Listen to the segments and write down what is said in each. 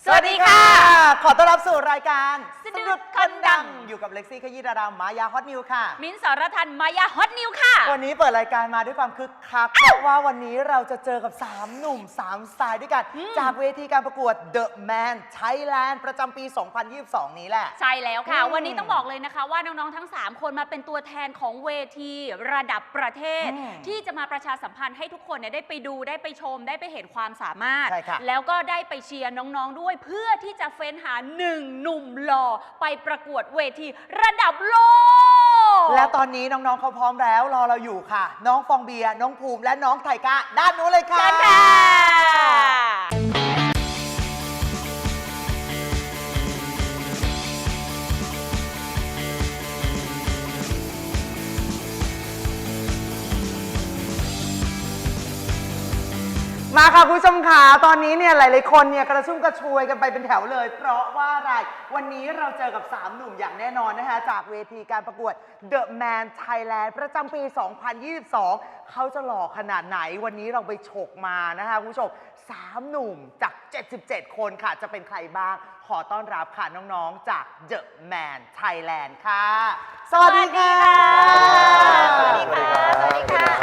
สวัสดีค่ะขอต้อนรับสู่รายการสะดุดคนดังอยู่กับเล็กซี่ขยี้ดารามายาฮอตนิวค่ะมิ้นท์สรทันมายาฮอตนิวค่ะวันนี้เปิดรายการมาด้วยความคึกคักเพราะว่าวันนี้เราจะเจอกับ3หนุ่ม3สไตล์ด้วยกัน จากเวทีการประกวด The Man Thailand ประจำปี 2022 นี้แหละใช่แล้วค่ะ วันนี้ต้องบอกเลยนะคะว่าน้องๆทั้ง3คนมาเป็นตัวแทนของเวทีระดับประเทศ ที่จะมาประชาสัมพันธ์ให้ทุกคนเนี่ยได้ไปดูได้ไปชมได้ไปเห็นความสามารถใช่ค่ะแล้วก็ได้ไปเชียร์น้องๆด้วยเพื่อที่จะเฟ้นหา1หนุ่มหล่อไปประกวดเวทีระดับโลกและตอนนี้น้องๆเขาพร้อมแล้วรอเราอยู่ค่ะ น้องฟองเบียร์น้องภูมิและน้องไทก้าด้านนู้นเลยค่ะเชิญค่ะมาค่ะคุณผู้ชมค่ะตอนนี้เนี่ยหลายๆคนเนี่ยกระชุ่มกระชวยกันไปเป็นแถวเลย เพราะว่าอะไรวันนี้เราเจอกับ3หนุ่มอย่างแน่นอนนะคะจากเวทีการประกวด The Man Thailand ประจำปี 2022 เขาจะหล่อขนาดไหนวันนี้เราไปฉกมานะคะคุณผู้ชม3หนุ่มจาก 77 คนค่ะจะเป็นใครบ้างขอต้อนรับค่ะน้องๆจาก The Man Thailand ค่ะสวัสดีค่ะสวัสดีค่ะ สวัสดีค่ะ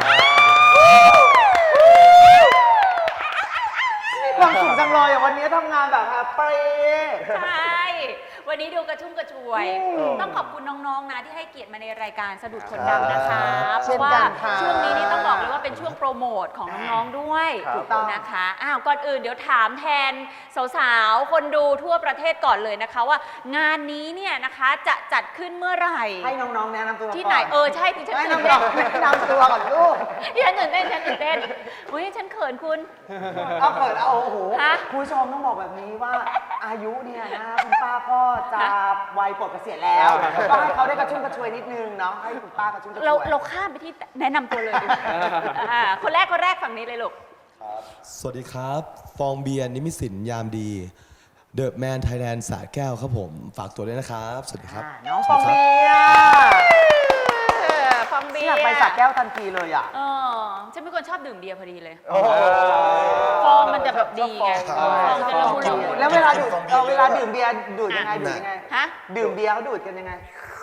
ความสุขจังเลยอ่ะวันนี้ทำงานแบบแฮปปี้ใช่ วันนี้ดูกระชุ่มกระชวย ต้องขอบคุณน้องๆนะที่ให้เกียรติมาในรายการสะดุดคนดังนะคะ เพราะว่าช่วงนี้นี่ต้องบอกเลยว่าเป็นช่วงโปรโมทของน้องๆด้วยถูกต้องนะคะอ้าวก่อนอื่นเดี๋ยวถามแทนสาวๆคนดูทั่วประเทศก่อนเลยนะคะว่างานนี้เนี่ยนะคะจะจัดขึ้นเมื่อไหร่ให้น้องๆแนะนำตัวก่อนที่ไหนใช่ที่ฉันให้ตื่นน้เต้อน งๆแนะนำตัวก่อนลูกที่ฉันตื่นเต้นฉันตื่นเต้นอุ้ยฉันเขินคุณเอาเปิดเอาโอ้โหฮะคุณผู้ชมต้องบอกแบบนี้ว่าอายุเนี่ยนะคุณป้าก็จะวัยปลดเกษียณแล้วก็ให้เขาได้กระชุ่มกระชวยนิดนึงเนาะให้คุณป้ากระชุ่มกระชวยเราข้ามไปที่แนะนำตัวเลยดีกว่าคนแรกฝั่งนี้เลยลูกสวัสดีครับ ฟองเบียร์นิมิสินยามดีเดอะแมนไทยแลนด์สระแก้วครับผม ฝากตัวด้วยนะครับ สวัสดีครับน้องฟองเบียร์ฟองเบียอยากไปสระแก้วทันทีเลยอ่ะฉันเป็นคนชอบดื่มเบียร์พอดีเลยฟองมันจะแบบดีไงฟองจะละมุนละมุนแล้วเวลาดื่มเบียร์ดูดยังไงดูดยังไงฮะดื่มเบียร์เขาดูดกันยังไง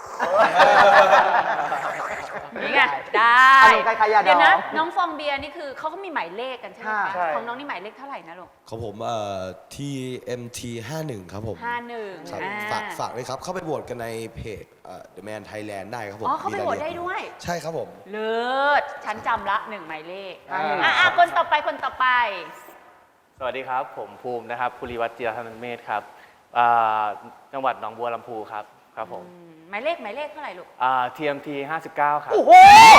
นี่ไงได้อารมณ์คล้ายๆยาดองเดี๋ยวนะน้องฟองเบียร์นี่คือเขาก็มีหมายเลขกันใช่ไหมใช่คะของน้องนี่หมายเลขเท่าไหร่นะลูกของผมTMT 51ครับผม 51 ครับฝากเลยครับ เข้าไปโหวตกันในเพจThe Man Thailand ได้ครับผมอ๋อเขาไปโหวตได้ด้วยใช่ครับผมเลิศฉันจำละ1หมายเลขอ่าคนต่อไปสวัสดีครับ ผมภูมินะครับภูริวัฒน์จิรธนเมธครับจังหวัดหนองบัวลำพูครับผมหมายเลขเท่าไหร่ลูก TMT 59 ครับโอ้โห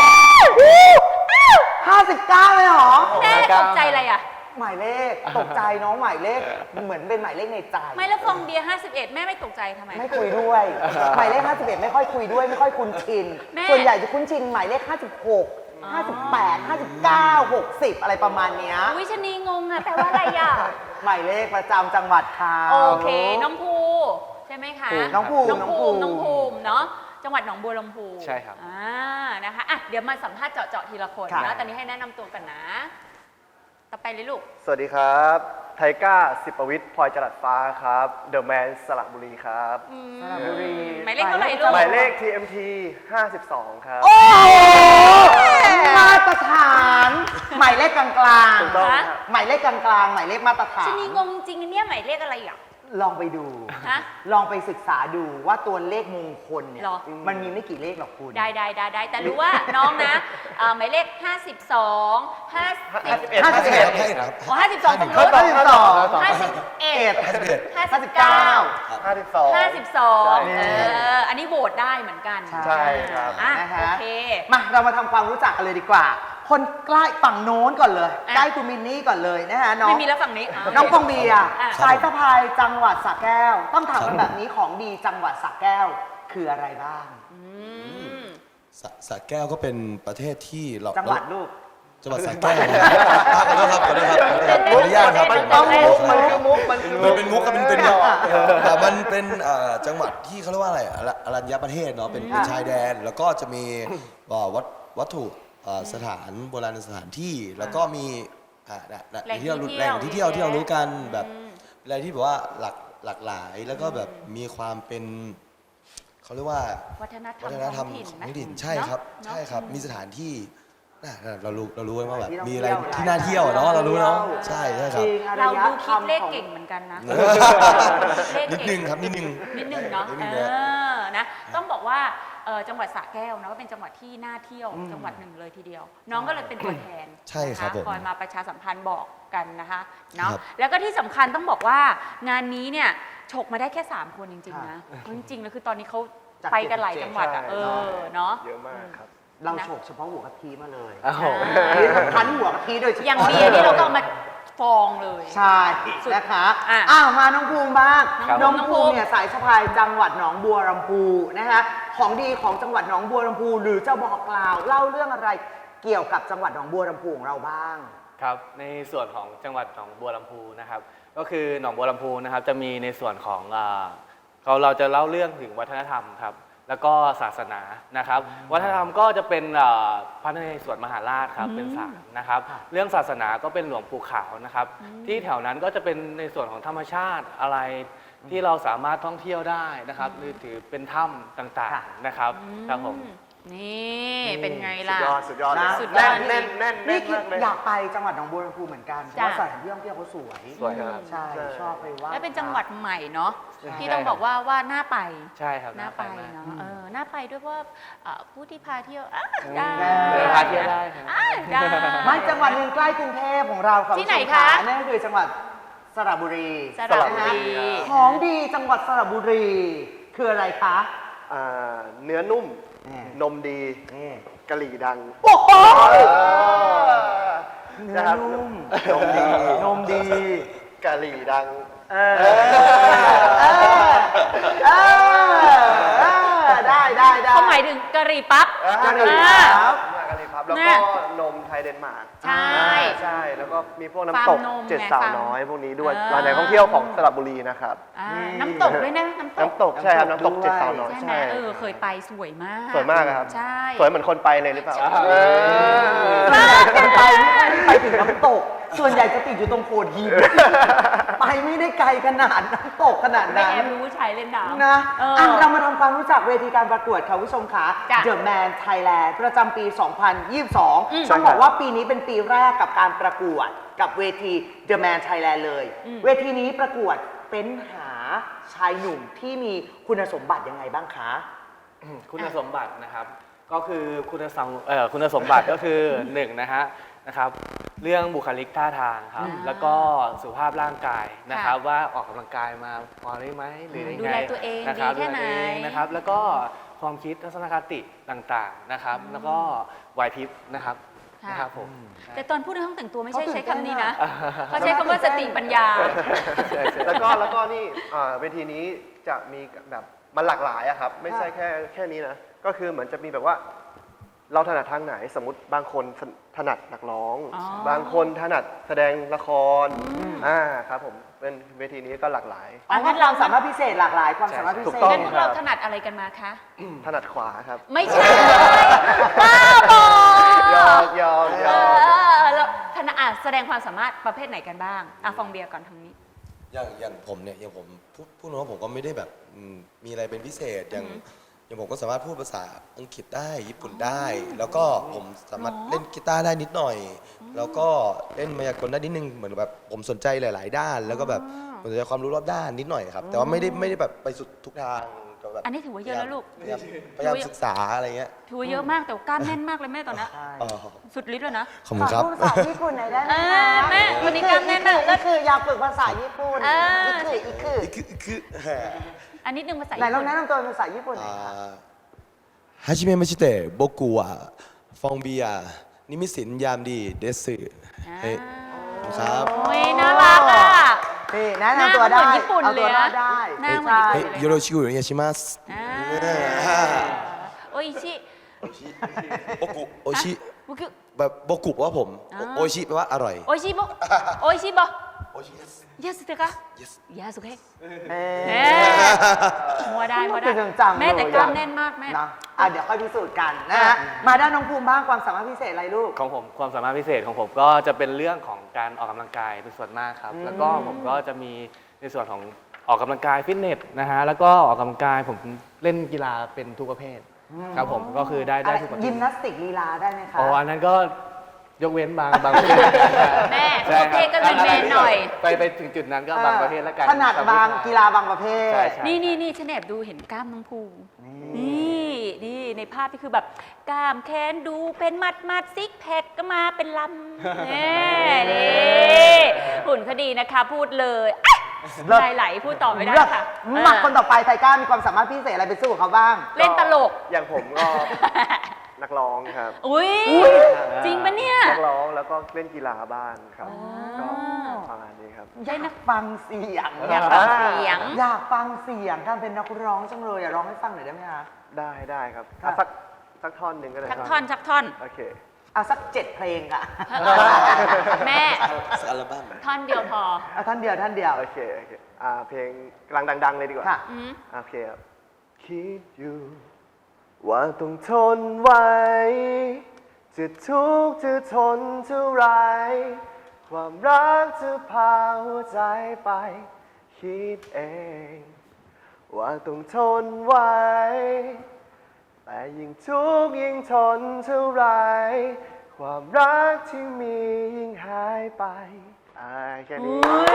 59เลยเหรอแม่ตกใจอะไรอ่ะหมายเลขตกใจน้องหมายเลขเหมือนเป็นหมายเลขในใจไม่แล้วฟองเบียร์51 แม่ไม่ตกใจทำไมไม่คุยด้วยหมายเลข51ไม่ค่อยคุยด้วยไม่ค่อยคุ้นชินแม่ส่วนใหญ่จะคุ้นชินหมายเลข56 58 59 60อะไรประมาณเนี้ยวิชนีงงอ่ะแปลว่าอะไรอ่ะหมายเลขประจำจังหวัดค่ะโอเค น้องภูใช่ไหมคะน้องภูมิน้องภูมิเนาะจังหวัดหนองบัวลำพูใช่ครับนะคะอ่ะเดี๋ยวมาสัมภาษณ์เจาะทีละคนค่ะนะตอนนี้ให้แนะนำตัวกันนะ ต่อไปเลยลูกสวัสดีครับ ไทก้าสิปวิทย์พลอยจรัสฟ้าครับเดอะแมนสระบุรีครับสระบุรีหมายเลขเท่าไหร่ลูกหมายเลข TMT 52 ครับโอ้โหมาตรฐานหมายเลขกลางถูกต้องฮะๆหมายเลขกลางๆหมายเลขมาตรฐานชนีงงจริงๆเนี่ยหมายเลขอะไรอ่ะลองไปดูฮะลองไปศึกษาดูว่าตัวเลขมงคลเนี่ยหรอมันมีไม่กี่เลขหรอกคุณได้แต่รู้ว่าน้องนะหมายเลข52 50 51ครับอ๋อ52ตรงเขานู้นต้องสิบสอง 51 59 อันนี้โหวตได้เหมือนกันใช่ครับอ่ะนะฮะโอเคมาเรามาทำความรู้จักกันเลยดีกว่า คนใกล้ฝั่งโน้นก่อนเลยอ่ะใกล้คุณมินนี่ก่อนเลยนะฮะน้องไม่มีแล้วฝั่งนี้น้องฟองเบียร์อ่ะสายสะพายจังหวัดสระแก้ว ต้องถามกันแบบนี้ของดีจังหวัดสระแก้วคืออะไรบ้างอืมสระแก้วก็เป็นประเทศที่เราจังหวัดลูกจังหวัดสระแก้วขอโทษครับขออนุญาตครับมันต้องมุกมันคือมุกมันคือมันเป็นมุกกับมันเป็นแต่มันเป็นจังหวัดที่เขาเรียกว่าอะไรอรัญญประเทศเนาะเป็นชายแดน แล้วก็จะมีวัตถุสถานโบราณสถานที่แล้วก็มีแหล่งที่เที่ยวที่เรารู้กันแบบอะไรที่แบบว่าหลากหลายแล้วก็แบบมีความเป็นเขาเรียกว่าวัฒนธรรมวัฒนธรรมท้องถิ่นของไหมท้องถิ่นใช่ครับเนอะใช่ครับเนอะมีสถานที่เรารู้ว่าแบบที่มีท่องอะไรเที่ยวที่น่าเที่ยวเนาะเรารู้เนาะที่ยวใช่คจรับริงอเรายดูคิดธรรมเลขของเก่งเหมือนกันนะนิดนึงครับนิดนึงนิดนึงเนาะนิดนึงนะนะต้องบอกว่าจังหวัดสระแก้วนะก็เป็นจังหวัดที่น่าเที่ยวจังหวัดหนึ่งเลยทีเดียว น้องก็เลยเป็นตัวแทนใช่ครับนะะผมคอยมาประชาสัมพันธ์บอกกันนะคะเนาะครับแล้วก็ที่สำคัญต้องบอกว่างานนี้เนี่ยฉกมาได้แค่ 3 คนจริงๆนะจริงๆแล้วคือตอนนี้เขาไปกันหลายจังหวัดอ่ะเนาะเยอะมากครับเราโฉกเฉพาะหัวกะทิมาเลยอ้าวนี่คั้นหัวกะทิโดยเฉพาะอย่างเบียร์นี่เราก็เอามาฟองเลยใช่นะคะอ่ะมาน้องภูมิบ้างครับน้องภูมิเนี่ยสายสะพายจังหวัดหนองบัวลำพูนะคะของดีของจังหวัดหนองบัวลำพูหรือจะบอกกล่าวเล่าเรื่องอะไรเกี่ยวกับจังหวัดหนองบัวลำพูของเราบ้างครับในส่วนของจังหวัดหนองบัวลำพูนะครับก็คือหนองบัวลำพูนะครับจะมีในส่วนของเราจะเล่าเรื่องถึงวัฒนธรรมครับแล้วก็ศาสนานะครับวัฒนธรรมก็จะเป็นพระนเรศวรมหาราชครับเป็นศาลนะครับเรื่องศาสนาก็เป็นหลวงปู่ขาวนะครับที่แถวนั้นก็จะเป็นในส่วนของธรรมชาติอะไรที่เราสามารถท่องเที่ยวได้นะครับหรือถือเป็นถ้ำต่างค่ะๆนะครับครับผมนี่เป็นไงล่ะสุดยอดเลยนะสุดยอดแน่นแน่นแน่นี่นคือมากเลยอยากไปจังหวัดหนองบัวลำพูเหมือนกันเพจ้ะราะว่าสถานที่ท่องเที่ยวเขาสวยสวยครับใช่ชอบไปว่าและเป็นจังหวัดใหม่เนาะใช่ที่ต้องบอกว่าน่าไปใช่ครับน่าไปมากเนาะน่าไปด้วยเพราะว่าผู้ที่พาเที่ยวได้พาเที่ยวได้ครับได้ไม่จังหวัดหนึ่งใกล้กรุงเทพของเราค่ะที่ไหนณผู้ชมคะนั่นก็คือจังหวัดสระบุรีสระบุรีของดีจังหวัดสระบุรี คืออะไรคะเนื้อนุ่มนี่นมดีนี่กะหรี่ดังโอ้โหเนื้เนื้อนุ่มนมดีนมดีกะหรี่ดังเออได้ได้เขาหมายถึงกะหรี่ปั๊บกะหรี่อ่าครับมากะหรี่พับแล้วเนี่ก็ยนมไทยเดนมาร์กใช่ใช่แล้วก็มีพวกฟาร์น้ำมตกนมเจ็ดไงสาวฟาร์มน้อยพวกนี้ด้วยอ่าร้านไหนท่องเที่ยวของสระบุรีนะครับน้ำตกด้วยนะน้ำตกน้ำตกใช่ครับน้ำตกด้วยเจ็ดสาวน้อยใช่ไหมใช่เคยไปสวยมากสวยมากครับใช่สวยเหมือนคนไปเลยหรือเปล่าไปถึงน้ำตก ส่วนใหญ่จะติดอยู่ตรงโขดหิน ไปไม่ได้ไกลขนาดน้ำตกขนาดไม่นั้นแอบรู้ชายเล่นน้ำนะเราเรามาทำความรู้จักเวทีการประกวดค่ะผู้ชมคะจ้ะ The Man Thailand ประจำปี 2022 ใช่ต้องครับบอกว่าปีนี้เป็นปีแรกกับการประกวดกับเวที The Man Thailand เลย เวทีนี้ประกวดเป็นหาชายหนุ่มที่มีคุณสมบัติยังไงบ้างคะคุณสมบัตินะครับก็คือคุณสมบัติก็คือหนึ่งนะครับเรื่องบุคลิกท่าทางครับแล้วก็สุขภาพร่างกายนะครับว่าออกกำลังกายมาพอได้ไหมหรือยังไงดูแลตัวเองนะครับดีแค่ไหนดูลตัวเองนะครับแล้วก็ความคิดทัศนคติต่างๆนะครับแล้วก็ไหวพริบนะครับค่ะนะครับผมแต่ตอนพูดในห้องแต่งตัวไม่ใช่เขาตื่ใช้นเต้นคำนี้นะอะเขาใช้คำว่าสติปัญญาแล้วก็นี่เวทีนี้จะมีแบบมันหลากหลายอะครับ ไม่ใช่แค่นี้นะ ก็คือเหมือนจะมีแบบว่า เราถนัดทางไหนสมมติบางคนถนัดนักร้องอ๋อบางคนถนัดแสดงละครครับผมเป็นเวทีนี้ก็หลากหลายอ๋องั้นเราสามารถพิเศษหลากหลายความสามารถพิถูเศกษต้องงั้นพวกเราถนัดอะไรกันมาคะถนัดขวาครับไม่ใช่ บ้าบอยอมแล้วถนัดแสดงความสามารถประเภทไหนกันบ้างฟองเบียร์ก่อนทางนี้อย่างผมเนี่ยอย่างผมพูดตรงว่าผมก็ไม่ได้แบบมีอะไรเป็นพิเศษอย่างผมก็สามารถพูดภาษาอังกฤษได้ญี่ปุ่นได้ แล้วก็ผมสามารถเล่นกีตาร์ได้นิดหน่อย แล้วก็เล่นมายากลได้นิดนึงเหมือนแบบผมสนใจหลาย ๆ ด้าน แล้วก็แบบผมสนใจความรู้รอบด้านนิดหน่อยครับ แต่ว่าไม่ได้แบบไปสุดทุกทางก็แบบอันนี้ถือว่าเยอะแล้วลูกพยายามศึกษาอะไรเงี้ยถือว่าเยอะมากแต่ว่ากล้ามแน่นมากเลยแม่ตอนนี้อ๋อสุดฤทธิ์เลยนะขอบคุณครับพูดภาษาญี่ปุ่นหน่อยได้ไหมแม่วันนี้กล้ามแน่นมากก็คืออยากฝึกภาษาญี่ปุ่น อีกคือคืออันนิดนึงภาษาไหนญี่ลองปุ่นแนะนำตัวเป็นภาษาญี่ปุ่นหน่อยค่ะはじめまして僕はフォンビアนิมิสินยามดีเดสเฮ้ยครับโอ้ยน่ารักอ่ะนี่แนะนำตัวได้หน้าเหมือนญี่ปุ่นเอาเลตัวย รอนะ 네, ดได้หน้าเหมือนญี่เฮ้ปุ่ยนเลยよろしくお願いしますโอ้ยชิโบกุโอชิบุกุแบบโบกุแปลว่าผมโอชิแปลว่าอร่อยโอ้ยชิบโอ้ยชิบโอชิยาสุเตะคะ yes ยาสุเกะเอ๊ะแม่มัวได้มัวได้คือจังๆแม่แต่เลยกล้ามแน่นมากแม่นะเดี๋ยวค่อยพิสูจน์กันนะฮะมาด้านน้องภูมิบ้างความสามารถพิเศษอะไรลูกของผมความสามารถพิเศษของผมก็จะเป็นเรื่องของการออกกำลังกายเป็นส่วนมากครับ แล้วก็ผมก็จะมีในส่วนของออกกำลังกายฟิตเนสนะฮะแล้วก็ออกกำลังกายผมเล่นกีฬาเป็นทุกประเภทครับผมก็คือได้ทุกประเภยิทมนาสติกลีลาได้ไหมคะอ๋ออันนั้นก็ยกเว้นบางประเภทแม่ใช่ทุกประเภทก็เป็นแมนหน่อยไปถึงจุดนั้นก็บางประเภทแล้วกันถนัดบางกีฬาบางประเภทใช่ใช่นี่ฉันแอบดูเห็นกล้ามน้องภูนี่ในภาพที่คือแบบกล้ามแขนดูเป็นมัดซิกแพคก็มาเป็นลำนี่หุ่นเขาดีนะคะพูดเลยเลิศไหลพูดต่อไม่ได้ค่ะมาคนต่อไปไทก้ามีความสามารถพิเศษอะไรไปสู้กับเขาบ้างเล่นตลกอย่างผมก็ นักร้องครับอุ้ยจริงปะเนี่ยนักร้องแล้วก็เล่นกีฬาบ้านครับก็ประมาณนี้ครับอยากฟังเสียงอยากฟังเสียงอยากฟังเสียงการเป็นนักร้องจังเลยอยากร้องให้ฟังหน่อยได้ไหมคะได้ครับค่ะอ่ะสักท่อนหนึ่งก็ได้ชักครับท่อนโอเคเอาสัก7 เพลงค่ะแม่สักอัลบั้มท่อนเดียวพอเอาท่านเดียวโอเคเพลงกำลังดัง ๆ เลยดีกว่าค่ะอืมโอเคครับคิดอยู่ว่าต้องทนไว้ จะทุกข์จะทนเท่าไร ความรักจะพาหัวใจไป คิดเอง ว่าต้องทนไว้ แต่ยิ่งทุกข์ยิ่งทนเท่าไร ความรักที่มียิ่งหายไปแค่นี้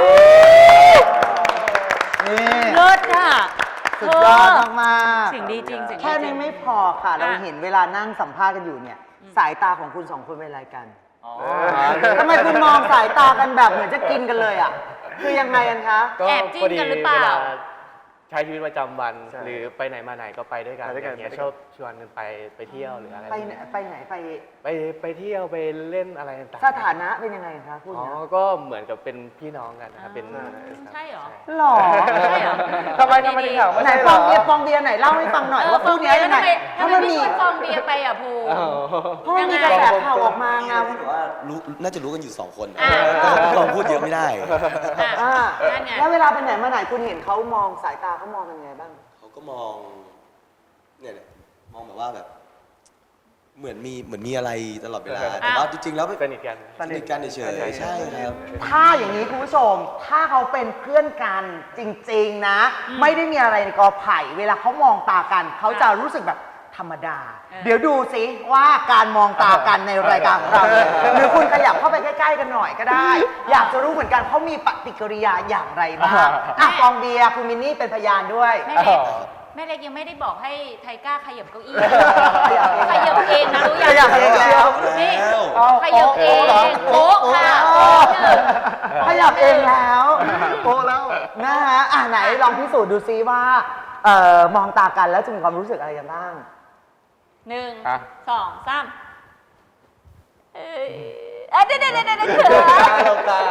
นี่เลิศอ่ะสุดยอดมากๆเสียงดีจริงเสียงดีจริงแค่นี้ไม่พอค่ะ เราเห็นเวลานั่งสัมภาษณ์กันอยู่เนี่ย สายตาของคุณ2 คนเป็นอะไรกันทำไมคุณมองสายตากันแบบเหมือนจะกินกันเลยอ่ะ คือยังไงกันคะแอบจิ้นกันหรือเปล่าวใช้ชีวิตประจำวันใช่หรือไปไหนมาไหนก็ไปด้วยกันไปด้วยกันอย่างเงี้ยไปด้วยกันชอบชวนกันไปเที่ยวหรืออะไรไปไหนไปไหนไปไปเที่ยวไปเล่นอะไรต่างๆสถานะเป็นยังไงคะคุณอ๋อนะก็เหมือนกับเป็นพี่น้องกันนะครับเป็นใช่เหรอหรอใช่เหรอทำไมถึงถามว่าไหนฟองเบียร์ไหนเล่าให้ฟังหน่อยว่าคู่เนี้ยยังไงทำไมไม่ชวนฟองเบียร์ไปอ่ะภูเพราะมันมีกระแสข่าวออกมาไงแต่ว่าน่าจะรู้กันอยู่2 คนอ่าลองพูดเยอะไม่ได้อ่านั่นไงแล้วเวลาไปไหนมาไหนคุณเห็นเขามองสายตาเขามองกันยังไงบ้างเขาก็มองเนี่ยมองแบบว่าแบบ เหมือนมีอะไรตลอดเวลา แต่ว่าจริงๆแล้วสนิทกันสนิทกันเฉยๆใช่ครับถ้าอย่างนี้คุณผู้ชม ถ้าเขาเป็นเพื่อนกันจริงๆนะ ไม่ได้มีอะไรในกอไผ่ เวลาเขามองตากัน เขาจะรู้สึกแบบธรรมดา เดี๋ยวดูสิว่าการมองตากันในรายการของเราเนี่ยหรือคุณขยับเข้าไปใกล้ๆกันหน่อยก็ได้ อยากจะรู้เหมือนกันเขามีปฏิกิริยาอย่างไรบ้างอ่ะฟองเบียร์คุณมินนี่เป็นพยานด้วยแม่เล็กยังไม่ได้บอกให้ไทก้าขยับเก้าอี้ขยับขยับเองนะรู้ยังขยับเองแล้วนี่เอาขยับเองโป๊ะค่ะโป๊ะหนึ่งขยับเองแล้วโอ้แล้วนะฮะไหนลองพิสูจน์ดูซิว่า มองตากันแล้วจะมีความรู้สึกอะไรกันบ้าง 1 อ่ะ 2 3เดี๋ยวเขินหลบตา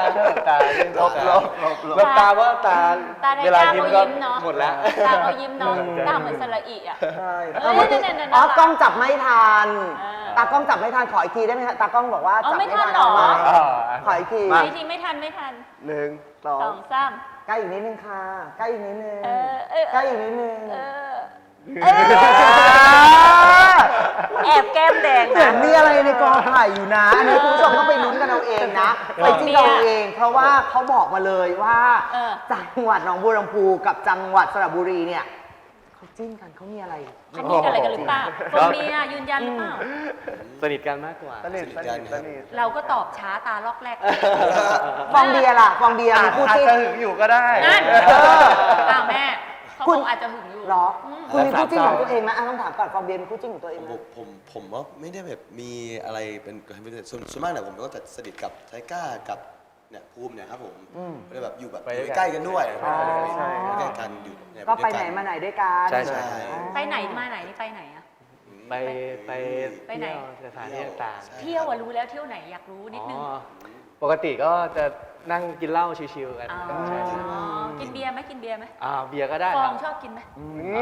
เพราะตาตาในเวลาตายิ้มเขาก็ยิ้มเนาะหมดแล้วตาเขายิ้มเนาะตาเหมือนสระอีอ่ะใช่เอ้ยนั่นๆๆๆอ๋อกล้องจับไม่ทันอ่าตากล้องจับไม่ทันขออีกทีได้ไหมฮะตากล้องบอกว่าอ๋อจับไม่ไม่ทัทันนเหรอเอาไหมอ๋อขออีกทีไม่ทีไม่ทัน 1 2 2 3 ใกล้อีกนิดนึงค่ะใกล้อีกนิดนึงเออใกล้อีกนิดนึงแอบแก้มแดงเหมือนะนมีอะไรในกอไผ่อยู่นะ อันนี้คุณผู้ชมต้องไปลุ้นกันเอาเองนะไปจิ้มเอาเอง เพราะว่าเขาบอกมาเลยว่า จังหวัดหนองบัวลำพูกับจังหวัดสระบุรีเนี่ยเขาจิ้นกันเขามีอะไรเขามีอะไรกันหรือเปล่าคนมีอ่ะยืนยันหรือเปล่าสนิทกันมากกว่าสนิทเราก็ตอบช้าตาล็อกแรกฟองเบียร์ล่ะฟองเบียร์มีคู่อาจจิ้นจะหึงอยู่ก็ได้นั่นเอออ้าวแม่เขาคุคณงอาจจะหึงอยู่เหรอ คุณมีคู่จิ้นแล้วของตัวเองไหมต้องถามก่อนฟองเบียร์มีคู่จิ้นของตัวเองไหมผมว่าไม่ได้แบบมีอะไรเป็นส่วนมากเนี่ยผมก็จะสนิทกับไทก้ากับเนี่ยภูมิเนี่ยครับผมไม่ได้แบบอยู่แบบไปด้วยกันใกล้กันด้วยใช่ใกล้กันอยู่เนี่ยก็ไปด้วยไหนมาไหนด้วยกันใช่ใช่ไปไหนมาไหนนี่ไปไหนอะไปไปไหนเที่ยวสถานที่ต่างเที่ยวอะรู้แล้วเที่ยวไหนอยากรู้ๆนิดนึงอ๋อปกติก็จะนั่งกินเหล้าชิวๆกันอ๋อใช่ใช่กินเบียร์ไหมกินเบียร์ไหมเบียร์ก็ได้ฟคอรังบชอบกินไหม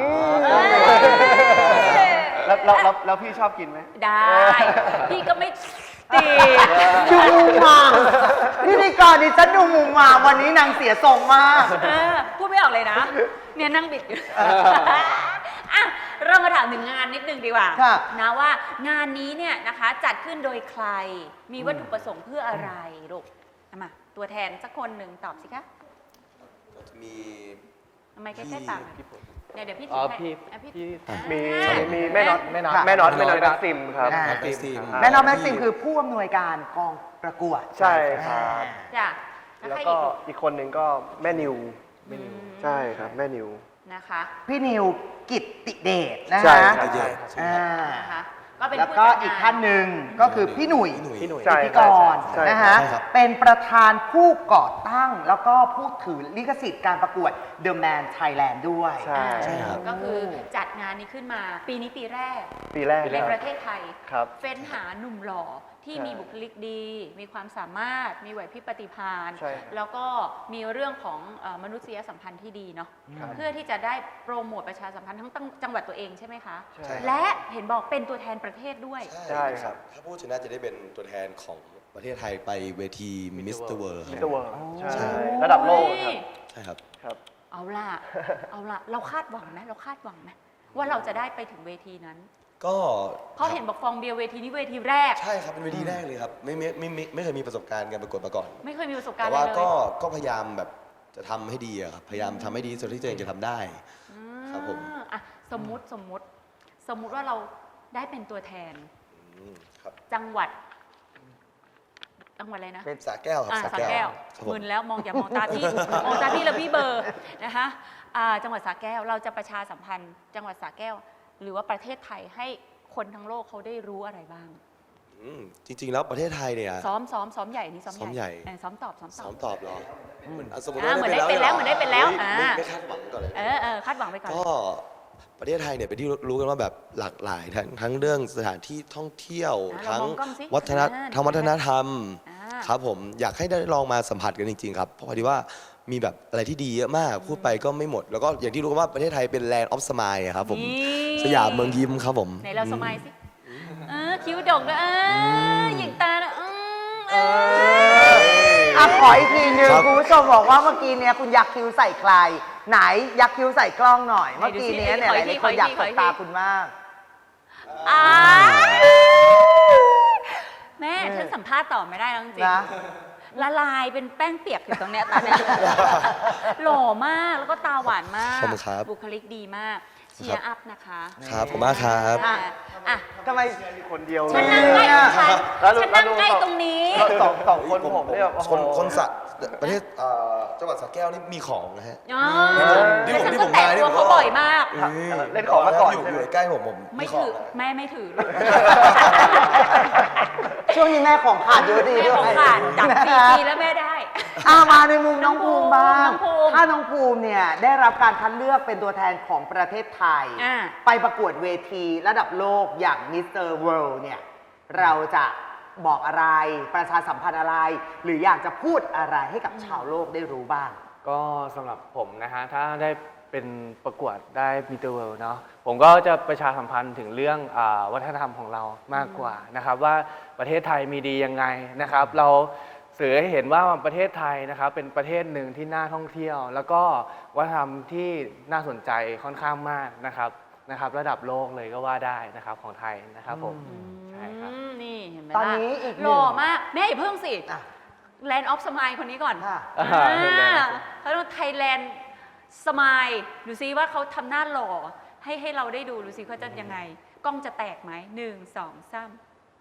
แล้วพี่ชอบกินไหมได้ พี่ก็ไม่ตีดูมุมมามพิธีกรดิฉันดูมุมมามวันนี้นางเสียทรงมากพูดไม่ออกเลยนะ เนี่ยนั่งบิดอยู่อ่ะเรามาถามถึงงานนิดนึงดีกว่าค่ะนะว่างานนี้เนี่ยนะคะจัดขึ้นโดยใคร มีวัตถุประสงค์เพื่ออะไรลูกเอามาตัวแทนสักคนหนึ่งตอบสิคะมีทำไมใกล้ๆปากหน่อยเดี๋ยวพี่อ๋อถือให้พี่พี่มีอ่ามีแม่น็อตแม่น็อตแม่น็อตแม็กซิมครับอ่าแม็กซิมแม่น้องแม็กซิมคือผู้อำนวยการกองประกวดใช่ครับจ้ะแล้วใครก็อีกอีกคนหนึ่งก็แม่นิวอืมใช่ครับแม่นิวนะคะพี่นิวกิตติเดชนะใช่ฮะครับเยอะอ่านะคะก็เป็นแล้วผู้ก็จัดงอีกท่านหนึ่งก็คือพี่หนุ่ยพี่หนุ่ยใช่พิธีกรใช่นะฮะใช่ครับเป็นประธานผู้ก่อตั้งแล้วก็ผู้ถือลิขสิทธิ์การประกวด The Man Thailand ด้วยใช่ใช่ครับก็คือจัดงานนี้ขึ้นมาปีนี้ปีแรกปีแรกในประเทศไทยครับเฟ้นหาหนุ่มหล่อที่ใช่มีบุคลิกดี มีความสามารถ มีไหวพริบปฏิภาณใช่ครับแล้วก็มีเรื่องของมนุษยสัมพันธ์ที่ดีเนาะครับเพื่อที่จะได้โปรโมทประชาสัมพันธ์ทั้งจังหวัดตัวเองใช่ไหมคะใช่และเห็นบอกเป็นตัวแทนประเทศด้วยใช่ครับถ้าผู้ชนะจะได้เป็นตัวแทนของประเทศไทยไปเวทีมิสเตอร์เวิร์มิสเตอร์เวิร์ใช่ใช่ระดับโลกครับใช่ครับครับเอาล่ะ เอาล่ะ เราคาดหวังไหมเราคาดหวังไหมว่าเราจะได้ไปถึงเวทีนั้นก็เพราะเห็นบอกฟองเบียร์เวทีนี้เวทีแรกใช่ครับเป็นเวทีแรกเลยครับไม่เคยมีประสบการณ์การประกวดมาก่อนไม่เคยมีประสบการแต่ณ์เลว่ายเลยก็พยายามแบบจะทำให้ดีอะครับพยายามทำให้ดีสุดที่ตัวเองจะทำได้ ครับผมอ่ะสมมุติว่าเราได้เป็นตัวแทนครับจังหวัดอะไรนะเป็นสระแก้วครับอ่าสระสระแก้แก้ววครับผมมึนแล้วอย่ามองตาพี่ มองตาพี่แล้วพี่เบลอร์นะคะจังหวัดสระแก้วเราจะประชาสัมพันธ์ จังหวัดสระแก้ว หรือว่าประเทศไทยให้คนทั้งโลกเขาได้รู้อะไรบ้างจริง ๆ แล้วประเทศไทยเนี่ยซ้อมใหญ่นี่ซ้อมซ้อมใหญ่ซ้อมตอบซ้อมตอบเหรอสมมติอ่าว่าเหมือนได้เป็นแล้วเหมือนได้เป็นแล้วฮ้ยอ่าไม่คาดหวังก่อนเลยคาดหวังไปก่อนก็ประเทศไทยเนี่ยเป็นที่รู้กันว่าแบบหลากหลายทั้งเรื่องสถานที่ท่องเที่ยวเราทั้งมองกล้องสิวัฒนธรรมอ่าครับผมอยากให้ได้ลองมาสัมผัสกันจริงๆครับเพราะพอดีว่ามีแบบอะไรที่ดีเยอะมากพูดไปก็ไม่หมด แล้วก็อย่างที่รู้กันว่าประเทศไทยเป็น Land of Smile อะครับผมนี่สยามเมืองยิ้มครับผมไหนเราสมัยสิคิ้วดกด้วยหยิงตานะขออีกทีหนึงครับคุณผู้ชมบอกว่าเมื่อกี้เนี้ยคุณยักคิ้วใส่ใคร ไหนยักคิ้วใส่กล้องหน่อย เมื่อกี้เนี้ยเนี่ยหลายๆคนอยากสบตาคุณมากแม่ฉันสัมภาษณ์ต่อไม่ได้แล้วจริงนะๆละลายเป็นแป้งเปียกอยู่ตรงเนี้ยตอนเนี้ยหล่อมากแล้วก็ตาหวานมากขอบคุณครับบุคลิกดีมากเชียร์อัพนะคะครับผมมากครับอ่ะทำไมมีคนเดียวฉันนั่งใกล้ของฉันแล้วดูฉันนั่งใกล้ตรงนี้สองคนผมเนี่ยโอ้โหคนสระประเทศจังหวัดสระแก้วนี่มีของนะฮะอ๋อที่แล้วผมฉันที่ก็ผมแตะมานี่ตัวผมเขาก็บ่อยมากเล่นของมาก่อนอยู่ใช่ไหมใกล้ผมไม่ขอถืงอแม่ไม่ถือลูกช่วงนี้แม่ของขาดเยอะดีแม่ด้วยของขาดจับสี่ทีแล้วแม่ได้มาในมุมน้องภูมิบ้างน้องภูมิถ้าน้องภูมิเนี่ยได้รับการคัดเลือกเป็นตัวแทนของประเทศไทยอ่าไปประกวดเวทีระดับโลกอย่างมิสเตอร์เวิลด์เนี่ยเราจะบอกอะไรประชาสัมพันธ์อะไร หรืออยากจะพูดอะไรให้กับชาวโลกได้รู้บ้างก็สำหรับผมนะฮะถ้าได้เป็นประกวดได้มิสเตอร์เวิลด์เนาะผมก็จะประชาสัมพันธ์ถึงเรื่องวัฒนธรรมของเรามากกว่านะครับว่าประเทศไทยมีดียังไงนะครับ เราสื่อให้เห็นว่าประเทศไทยนะครับเป็นประเทศหนึ่งที่น่าท่องเที่ยว แล้วก็วัฒนธรรมที่น่าสนใจค่อนข้างมากนะครับระดับโลกเลยก็ว่าได้นะครับของไทยนะครับผมใช่ครับนี่เห็นไหมตอนนี้ล่ะอีกหนึ่งหล่อมาก แม่อย่าเพิ่งสิอ่ะ Land of Smile คนนี้ก่อนค่ะเขาต้อง Thailand Smile ดูซิว่าเขาทำหน้าหล่อให้เราได้ดูซิเขาจะยังไง กล้องจะแตกไหม1 2 3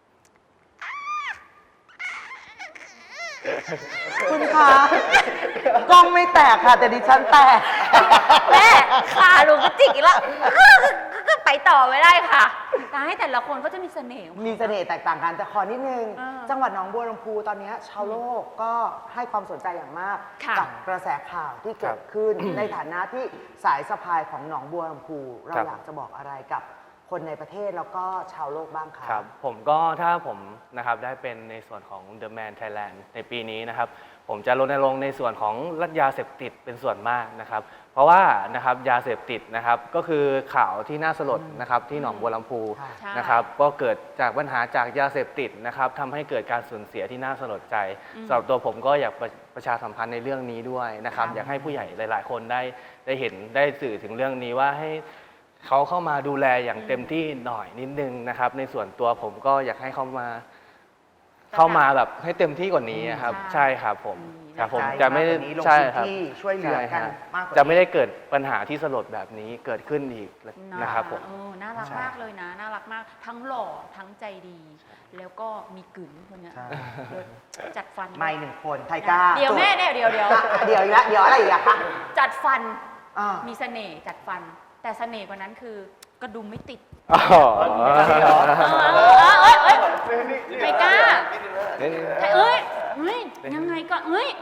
คุณคะกล้องไม่แตกค่ะ แต่ดิฉันแตกแม่ขาลุงก็จิกอีกแล้วก็ไปต่อไม่ได้ค่ะตายแต่ละคนเขาจะมีเสน่ห์ของเขามีเสน่ห์แตกต่างกันแต่ขอนิดนึงอ่าจังหวัดหนองบัวลำพูตอนนี้ชาวโลกก็ให้ความสนใจอย่างมากค่ะกับกระแสข่าวที่เกิดขึ้น ในฐานะที่สายสะพายของหนองบัวลำพูเราครับอยากจะบอกอะไรกับคนในประเทศแล้วก็ชาวโลกบ้างคะครับผมก็ถ้าผมนะครับได้เป็นในส่วนของ The Man Thailand ในปีนี้นะครับผมจะรณรงค์ในส่วนของรัฐยาเสพติดเป็นส่วนมากนะครับเพราะว่านะครับยาเสพติดนะครับก็คือข่าวที่น่าสลดนะครับที่หนองบัวลำพูค่ะใช่นะครับก็เกิดจากปัญหาจากยาเสพติดนะครับทำให้เกิดการสูญเสียที่น่าสลดใจสำหรับตัวผมก็อยากประชาสัมพันธ์ในเรื่องนี้ด้วยนะครับอยากให้ผู้ใหญ่หลาย ๆ คนได้เห็นได้สื่อถึงเรื่องนี้ว่าให้เขาเข้ามาดูแลอย่างเต็มที่หน่อยนิดนึงนะครับในส่วนตัวผมก็อยากให้เขามาเข้ามาแบบให้เต็มที่กว่านี้ครับใช่ใช่ครับผมครับผมใจจะไม่มากกว่านี้ลงใช่พื้นครับที่ช่วยเหลือกันใช่ฮะมากกว่าจะไม่นี้ได้เกิดปัญหาที่สลดแบบนี้เกิดขึ้นอีกนะครับผมน่ารักใช่มากเลยนะ น่ารักมาก ทั้งหล่อทั้งใจดี แล้วก็มีกึ๋นคนเนี้ยใช่เลิศจัดฟันไม่หนึ่งคนไทก้าเดี๋ยวแม่เนี่ยเดี๋ยวเดี๋ยวอีกแล้วเดี๋ยวอะไรอีกอะคะจัดฟันอ่ามีเสน่ห์จัดฟัน แต่เสน่ห์กว่านั้นคือกระดุมไม่ติดอ๋อไทก้าเอ้ยยังไงก็เอ้ย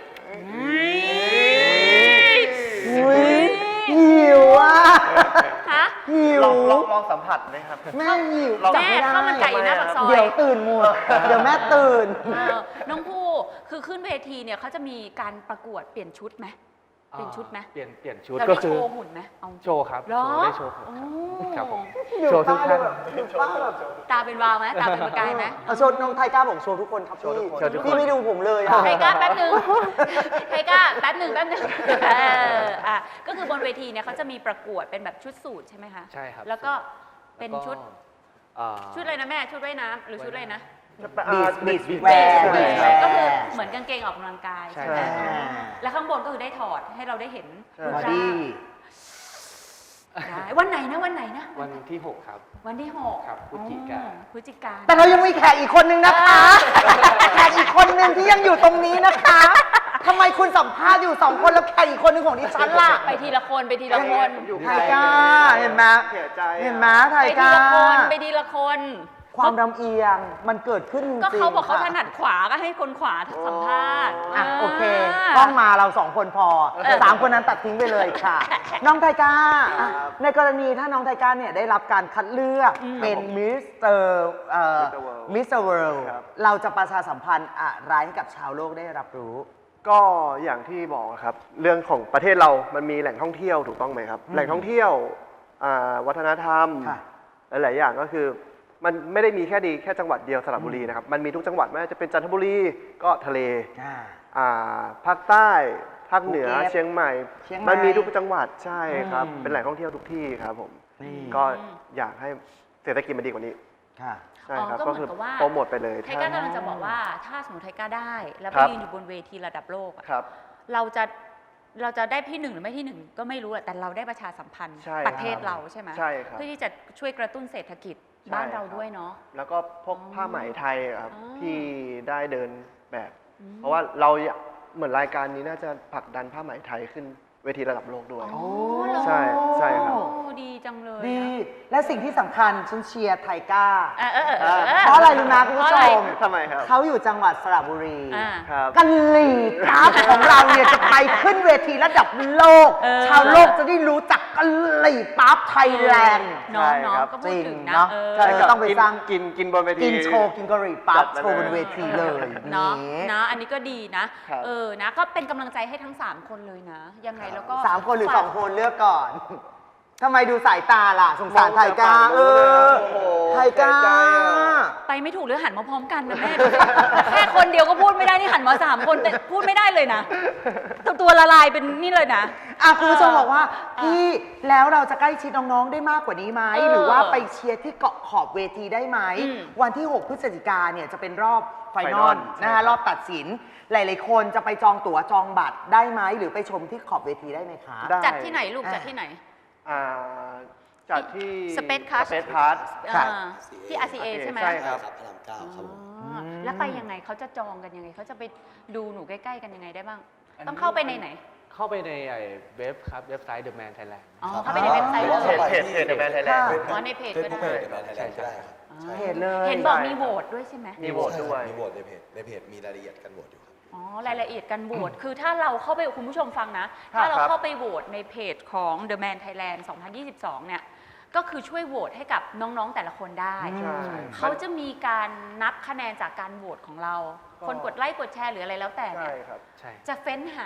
หิวอ่ะฮะหิวลองสัมผัสไหมครับแม่หิวแม่ข้าวมันไก่อยู่หน้าปากซอยเดี๋ยวตื่นหมดเดี๋ยวแม่ตื่นน้องผู้คือขึ้นเวทีเนี่ยเขาจะมีการประกวดเปลี่ยนชุดไหมเปลี่ยนชุดไหมเปลี่ยนชุดเราก็ได้คืโชอว์หุ่นไหมเอาโชว์ครับเหรอได้โชว์หุ่นโอ้ครับผมโชว์ทุกท่านตาเป็นวาวไหมตาเป็นประกายไหมเอาโชว์น้องไทก้าบอกโชว์ทุกคนครับโชว์ทุกคนพี่ไม่ดูผมเลยอะไทก้าแป๊บหนึงไทก้าแป๊บหนึ่งก็คือบนเวทีเนี่ยเขาจะมีประกวดเป็นแบบชุดสูทใช่ไหมคะใช่ครับแล้วก็เป็นชุดอ่าชุดอะไรนะแม่ชุดว่ายน้ำหรือชุดอะไรนะบีชแวร์ก็คือเหมือนกางเกงออกกำลังกายใช่ใช่ไหมใช่แล้วข้างบนก็คือได้ถอดให้เราได้เห็นใช่รูปบอร่างดี้ได้วันไหนนะวันไหนนะวันที่ 6 ครับวันที่ 6 ครับพฤศจิกาพฤศจิกาแต่เรายังมีแขกอีกคนนึงนะคะ แขกอีกคนนึงที่ยังอยู่ตรงนี้นะคะทำไมคุณสัมภาษณ์อยู่2 คนแล้วแขกอีกคนนึงของดิฉันล่ะไปทีละคนไปทีละคนอยู่ไทก้าเห็นไหมเสียใจอะเห็นไหมไทไปทีก้าละคนไปทีละคนความลำเอียงมันเกิดขึ้นจริงก็เขาบอกเขาค่ะถนัดขวาก็ให้คนขวาสัมภาษณ์อ่ะโอเคกล้องมาเรา2 คนพอ3 คนนั้นตัดทิ้งไปเลยค่ะ น้องไทก้าอ่ะในกรณีถ้าน้องไทก้าเนี่ยได้รับการคัดเลือกเป็นมิสเตอร์มิสเตอร์เวิลด์ครับเราจะประชาสัมพันธ์อะไรให้กับชาวโลกได้รับรู้ก็อย่างที่บอกครับ เรื่องของประเทศเรามันมีแหล่งท่องเที่ยวถูกต้องไหมครับ แหล่งท่องเที่ยววัฒนธรรมค่ะหลายๆอย่างก็คือมันไม่ได้มีแค่จังหวัดเดียวสระบุรีนะครับ มันมีทุกจังหวัดไม่ว่าจะเป็นจันทบุรีก็ทะเล ภาคใต้ภาคเหนือภูเก็ตเชียงใหม่เชียงใหม่มันมีทุกจังหวัดใช่ครับอืมเป็นแหล่งท่องเที่ยวทุกที่ครับผมนี่ก็อยากให้เศรษฐกิจมันดีกว่านี้ค่ะใช่ครับก็เหมือนกับว่าโปรโมทไปเลยไทก้ากำลังจะบอกว่าถ้าสมมติไทก้าได้ แล้วไปครับยืนอยู่บนเวทีระดับโลกอะครับเราจะได้ที่ 1 หรือไม่ที่ 1 ก็ไม่รู้แหละแต่เราได้ประชาสัมพันธ์ใช่ประเทศเราใช่ไหมใช่ครับเพื่อที่จะช่วยกระตุ้นเศรษฐกิจบ้านเราด้วยเนาะแล้วก็พวกผ้าไหมไทยอะครับอ๋อที่ได้เดินแบบ เพราะว่าเราเหมือนรายการนี้น่าจะผลักดันผ้าไหมไทยขึ้นเวทีระดับโลกด้วยอ๋อเหรอใช่ครับโอ้ดีจังเลยดีนะและสิ่งที่สำคัญฉันเชียร์ไทก้าเพเพราะอะไรรู้ไหมคุณผู้ชมทำไมครับเขาอยู่จังหวัดสระบุรีครับกะหรี่ปั๊บของเราเนี่ยจะไปขึ้นเวทีระดับโลก ชาวโลกจะได้รู้จักกะหรี่ปั๊บไทยแลนด์น้องใช่น้องครับก็พูดถึงนะจริงเนาะใช่ครับต้องไปสร้างกินบนเวทีกินโชว์กินกะหรี่ปั๊บจัดไปโชว์บนเวทีเลยเนาะนี่นะอันนี้ก็ดีนะครับ นะก็เป็นกำลังใจให้ทั้ง 3 คนเลยนะ ยังไงแล้วก็ 3 คนหรือฝาก 2 คนเลือกก่อน ทำไมดูสายตาล่ะ สงสารไทก้าโอ้โหไทก้าเสียใจอะไปไม่ถูกหรือหันมาพร้อมกันนะแม่ ดูสิแค่คนเดียวก็พูดไม่ได้นี่หันมา3 คนแต่พูดไม่ได้เลยนะตัวละลายเป็นนี่เลยนะคุณผู้ชมบอกว่าพี่แล้วเราจะใกล้ชิดน้องๆได้มากกว่านี้ไหมเออหรือว่าไปเชียร์ที่เกาะขอบเวทีได้ไหมอืมวันที่ 6 พฤศจิกาเนี่ยจะเป็นรอบไฟนอล Final ใช่นะครัคะบรอบตัดสิน หลายๆคนจะไปจองตั๋วจองบัตรได้ไหม หรือไปชมที่ขอบเวทีได้ไหมคะได้จัดที่ไหนลูกจัดที่ไหนอ่าจัดที่ Space Crush สเปซพาร์ทค่ะที่ RCA ใช่ไหมใช่ใช่ครับพระรามเก้าครับผมอ๋อแล้วไปยังไงเขาจะจองกันยังไงเขาจะไปดูหนูใกล้ๆกันยังไงได้บ้าง ต้องเข้าไปในไหนเข้าไปในเว็บครับเว็บไซต์ The Man Thailand อ๋อเข้าไปในเว็บไซต์หรือว่าเพจเพจ The Man Thailand อ๋อในเพจเฟซก็บุ๊กได้เพจเดอะแมนไทยแลนด์ก็ได้ครับอ๋อเพจเลยเห็นบอกใช่มีโหวตด้วยใช่ไหมมีโหวตด้วยมีโหวตในเพจมีรายละเอียดการโหวตอยู่ครับอ๋อรายละเอียดการโหวตคือถ้าเราเข้าไปคุณผู้ชมฟังนะครับถ้าเราเข้าไปโหวตในเพจของ The Man Thailand 2022 เนี่ยก็คือช่วยโหวตให้กับน้องๆแต่ละคนได้ใช่เขาจะมีการนับคะแนนจากการโหวตของเราก็คนกดไลค์กดแชร์หรืออะไรแล้วแต่เนี่ใช่ยครับใช่จะเฟ้นหา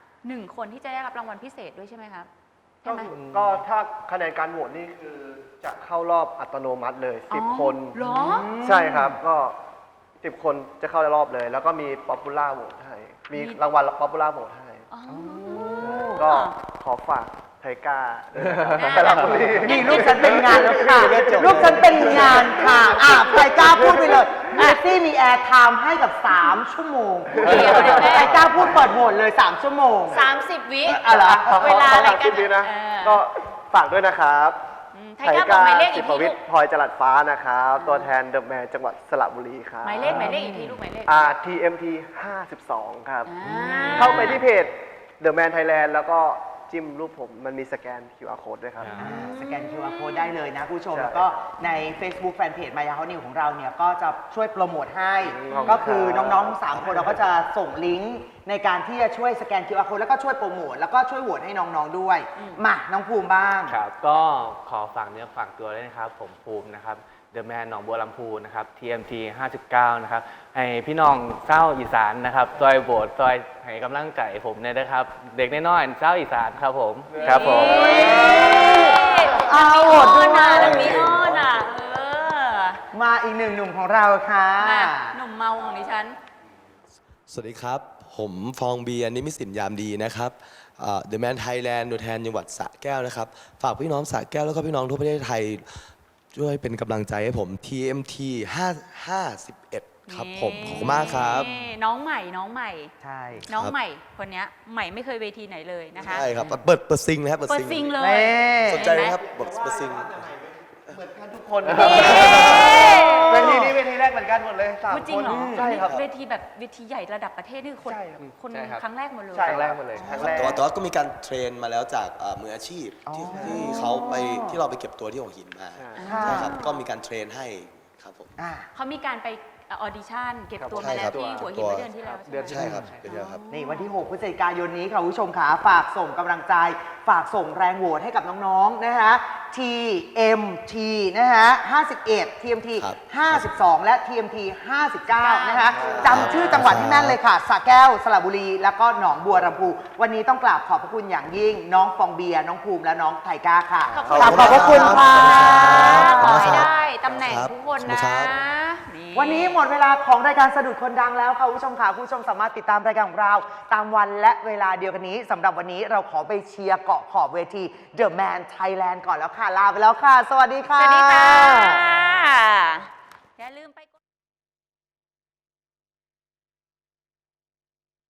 1 คนที่จะได้รับรางวัลพิเศษด้วยใช่ไหมครับใช่ไหมก็ถ้าคะแนนการโหวตนี่คือจะเข้ารอบอัตโนมัติเลยอ๋อ 10 คนเหรอใช่ครับก็10 คนจะเข้ารอบเลย แล้วก็มีป๊อปปูล่าโหวตให้ มีรางวัลป๊อปปูล่าโหวตให้อ๋อก็ขอฝากไทก้าด้วยนะครับสระบุรีนี่ลูกฉันเป็นงานแล้วค่ะ ลูกฉันเป็นงานค่ะใครกล้าพูดไปเลยเมสซี่มีแอร์ไทม์ให้กับ 3 ชั่วโมงเดี๋ยวเดี๋ยวแม่ใครกล้าพูดเปิดโหวตเลย 3 ชั่วโมง 30 วิอะไรอเวลาอะไรกันคลิปนี้นะ ก็ฝากด้วยนะครับไทยก้าบอกหมายเลขอีสิกบทีวิลูทกย์พลอยจรัสฟ้านะครับ ตัวแทนเดอะแมนจังหวัดสระบุรีครับหมายเลขอีกทีลูกหมายเลข TMT 52 ครับอ่าเข้าไปที่เพจ The Man Thailand แล้วก็จิ้มรูปผมมันมีสแกน QR code ด้วยครับสแกน QR code ได้เลยนะคุณผู้ชมใช่แล้วก็ใน Facebook Fanpage มายาฮอนิวของเราเนี่ยก็จะช่วยโปรโมทให้ขอบคุณก็คือครับน้องๆทั้ง3คนเราก็จะส่งลิงก์ในการที่จะช่วยสแกน QR code แล้วก็ช่วยโปรโมทแล้วก็ช่วยโหวตให้น้องๆด้วย มาน้องภูมิบ้างครับก็ขอฝากเนื้อฝากตัวด้วยนะครับ ผมภูมินะครับเดอะแมนหนองบัวลำพูนะครับ TMT 59 นะครับ ให้พี่น้องเศร้าอีสานนะครับซอยโบสซอยให้กำลังใจผมเนี่ยนะครับ เด็กน้อยๆเศร้าอีสานครับผมครับผมเอาโหวตด้วยแล้วมีอ้อนอ่ะมาอีกหนึ่งหนุ่มของเราค่ะมาหนุ่มเมาของดิฉันสวัสดีครับ ผมฟองเบียร์นิมิตสินยามดีนะครับเดอะแมนไทยแลนด์ตัวแทนจังหวัดสระแก้วนะครับ ฝากพี่น้องสระแก้วแล้วก็พี่น้องทั่วประเทศไทยช่วยเป็นกำลังใจให้ผม TMT 51 ครับผม ขอบคุณมากครับนี่น้องใหม่ใช่น้องใหม่คนเนี้ยใหม่ไม่เคยเวทีไหนเลยนะคะใช่ครับ เปิดซิงนะครับเปิดซิงเลยเน่สนใจไหมครับเปิดซิงทุกคนนี่เวทีนี้เวทีแรกเหมือนกันหมดเลยสามพูดจริงเหรอใช่ครับเวทีแบบเวทีใหญ่ระดับประเทศนี่คนใช่ครับคนใช่ครับครั้งแรกหมดเลยใช่ครั้งแรกหมดเลยครั้งแรกแต่ว่าก็มีการเทรนมาแล้วจากมืออาชีพที่เขาไปที่เราไปเก็บตัวที่หัวหินมาค่ะใช่ครับ ก็มีการเทรนให้ครับผมอ่ะเขามีการไปออดิชั่นเก็บตัวใช่มาแล้ครัวบที่หัวหินเมื่อเดือนที่แล้วเดือนใช่ใช่ไหมครับเป็นเดียวครับนี่วันที่ 6 พฤศจิกายนนี้ค่ะคุณผู้ชมขาฝากส่งกำลังใจ ฝากส่งแรงโหวตให้กับน้องๆ นะคะ TMT นะคะ51 TMT ครับ 52 และ TMT 59 นะคะจำชื่อจังหวัดที่แม่นเลยค่ะสระแก้วสระบุรี แล้วก็หนองบัวลำพูวันนี้ต้องกราบขอบพระคุณอย่างยิ่ง น้องฟองเบียร์น้องภูมิและน้องไทก้าค่ะขอบกราบขอบพระคุณค่ะขอให้ได้ตำแหน่งครับทุกคนขอบคุนะณครับวันนี้หมดเวลาของรายการสะดุดคนดังแล้วค่ะคุณผู้ชมค่ะคุณผู้ชมสามารถติดตามรายการของเรา ตามวันและเวลาเดียวกันนี้สำหรับวันนี้เราขอไปเชียร์เกาะขอบเวที The Man Thailand ก่อนแล้วค่ะ ลาไปแล้วค่ะ สวัสดีค่ะสวัสดีค่ะ